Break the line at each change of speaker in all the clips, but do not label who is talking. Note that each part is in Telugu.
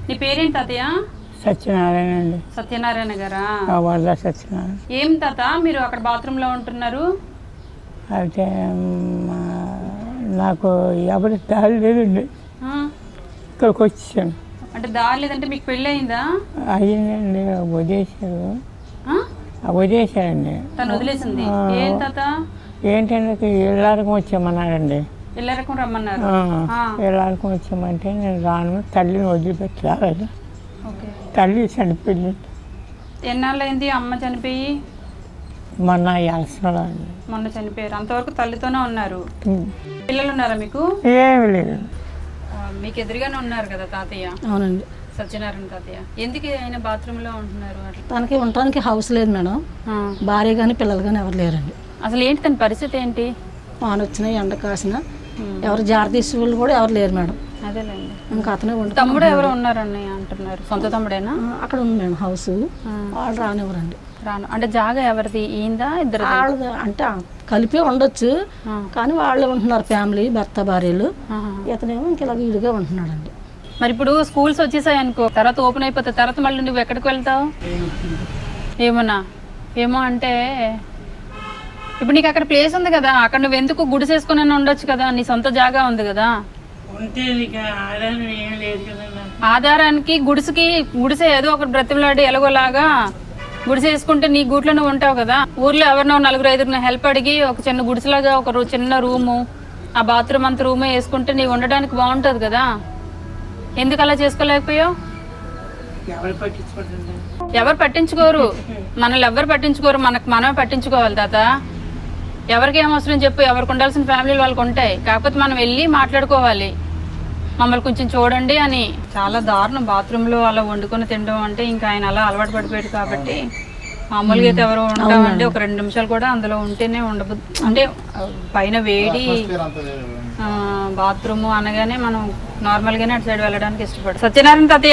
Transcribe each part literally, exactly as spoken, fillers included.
నీ పేరేంటి తాతయ్య?
సత్యనారాయణ అండి.
సత్యనారాయణ గారా?
వరద సత్యనారాయణ.
ఏం తాత మీరు అక్కడ బాత్రూంలో ఉంటున్నారు?
అయితే నాకు ఎవరి దారి లేదండి, ఇక్కడికి వచ్చాను.
అంటే దారి లేదంటే మీకు పెళ్ళి అయిందా?
అయ్యిందండి, వదిలేశారు. వదిలేశారండి.
తను వదిలేసింది. ఏం తాత?
ఏంటంటే ఇళ్ళారకం వచ్చామన్నారండి.
ఇళ్ళారకం రమ్మన్నారు.
ఇళ్ళారకం వచ్చామంటే నేను రాను, తల్లిని వదిలిపెట్టి రాలేదు. తల్లి చనిపోయింది.
ఎన్నాళ్ళు అయింది అమ్మ చనిపోయి?
మొన్న అలసలో
మొన్న చనిపోయారు. అంతవరకు తల్లితోనే ఉన్నారు. పిల్లలు ఉన్నారా మీకు?
ఏమి లేదు.
మీకు ఎదురుగానే ఉన్నారు కదా తాతయ్య?
అవునండి.
సత్యనారాయణ తాతయ్య. ఎందుకు ఆయన బాత్రూమ్ లో ఉంటున్నారు?
తనకి ఉండటానికి హౌస్ లేదు మేడం. భార్య కానీ పిల్లలు కానీ ఎవరు లేరండి.
అసలు ఏంటి తన పరిస్థితి ఏంటి?
వాన వచ్చినా ఎండ కాసిన ఎవరు జాగ్రత్త తీసే వాళ్ళు కూడా ఎవరు లేరు మేడం.
అదేలేండి.
ఇంకా అతనే ఉండి
తమ్ముడు ఎవరు ఉన్నారని అంటున్నారు. సొంత తమ్ముడేనా?
అక్కడ ఉంది మేడం హౌస్. వాళ్ళు రానివ్వరండి.
రాను అంటే జాగా ఎవరిది? ఈందా ఇద్దరు?
వాళ్ళది అంటే కలిపి ఉండొచ్చు, కానీ వాళ్ళే ఉంటున్నారు ఫ్యామిలీ, భర్త భార్యలు. ఇతనేమో ఇంక ఇలా వీడిగా ఉంటున్నాడండి.
మరి ఇప్పుడు స్కూల్స్ వచ్చేసాయి అనుకో, తర్వాత ఓపెన్ అయిపోతాయి, తర్వాత మళ్ళీ నువ్వు ఎక్కడికి వెళ్తావు? ఏమోనా? ఏమో అంటే ఇప్పుడు నీకు అక్కడ ప్లేస్ ఉంది కదా, అక్కడ నువ్వు ఎందుకు గుడిసేసుకుని ఉండొచ్చు కదా, నీ సొంత జాగా ఉంది కదా. ఆధారానికి గుడిసెకి గుడిసె ఏదో ఒకటి బ్రతిమలాడి ఎలాగోలాగా గుడిసె వేసుకుంటే నీ గూట్లో నువ్వు ఉంటావు కదా. ఊర్లో ఎవరినో నలుగురు ఐదుగురు హెల్ప్ అడిగి ఒక చిన్న గుడిసెలాగా ఒక చిన్న రూము, ఆ బాత్రూమ్ అంత రూమే వేసుకుంటే నీవు ఉండడానికి బాగుంటుంది కదా. ఎందుకు అలా చేసుకోలేకపోయావు? ఎవరు పట్టించుకోరు, మనల్ని ఎవరు పట్టించుకోరు, మనకు మనమే పట్టించుకోవాలి తాత. ఎవరికి ఏం అవసరం చెప్పు, ఎవరికి ఉండాల్సిన ఫ్యామిలీలు వాళ్ళకి ఉంటాయి. కాకపోతే మనం వెళ్ళి మాట్లాడుకోవాలి, మమ్మల్ని కొంచెం చూడండి అని. చాలా దారుణం బాత్రూంలో అలా వండుకొని తినడం అంటే. ఇంకా ఆయన అలా అలవాటు పడిపోయాడు కాబట్టి మామూలుగా అయితే ఎవరు ఉంటామంటే ఒక రెండు నిమిషాలు కూడా అందులో ఉంటేనే ఉండదు. అంటే పైన వేడి బాత్రూమ్ అనగానే మనం నార్మల్గానే అటు సైడ్ వెళ్ళడానికి ఇష్టపడు. సత్యనారాయణ తాతయ్య,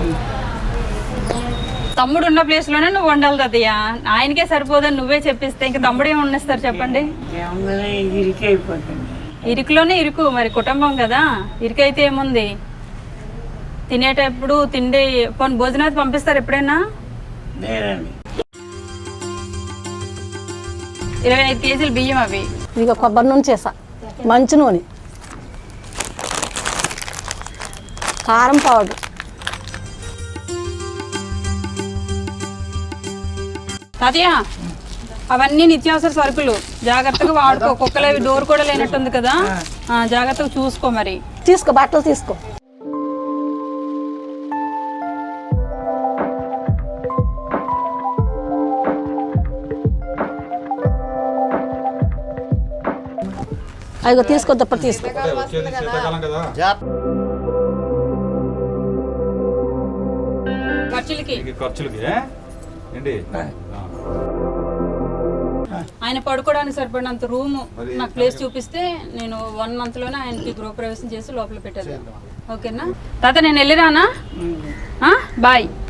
తమ్ముడు ఉన్న ప్లేస్ లోనే నువ్వు ఉండాలి తాతయ్య. ఆయనకే సరిపోదని నువ్వే చెప్పిస్తే ఇంకా తమ్ముడు ఏమి ఉండేస్తారు చెప్పండి? ఇరుకులోనే ఇరుకు, మరి కుటుంబం కదా, ఇరుకైతే ఏముంది. తినేటప్పుడు తిండి పోనీ భోజనాలు పంపిస్తారు ఎప్పుడైనా? ఇరవై ఐదు కేజీలు బియ్యం అవి.
ఇక కొబ్బరి నూనె చేసా, మంచి నూనె, కారం పౌడర్.
తాతయ్య అవన్నీ నిత్యావసర సరుకులు జాగ్రత్తగా వాడుకో. కుక్కలు అవి డోర్ కూడా లేనట్టుంది కదా, జాగ్రత్తగా చూసుకో. మరి
తీసుకో, బట్టలు తీసుకో. అదిగో తీసుకో, దుప్పటి తీసుకో.
ఖర్చులకి ఆయన పడుకోవడానికి సరిపడినంత రూమ్ నాకు ప్లేస్ చూపిస్తే నేను వన్ మంత్ లోనే ఆయనకి గృహప్రవేశం చేసి లోపల పెట్టాను. ఓకేనా తాత? నేను వెళ్ళిరానా? బాయ్.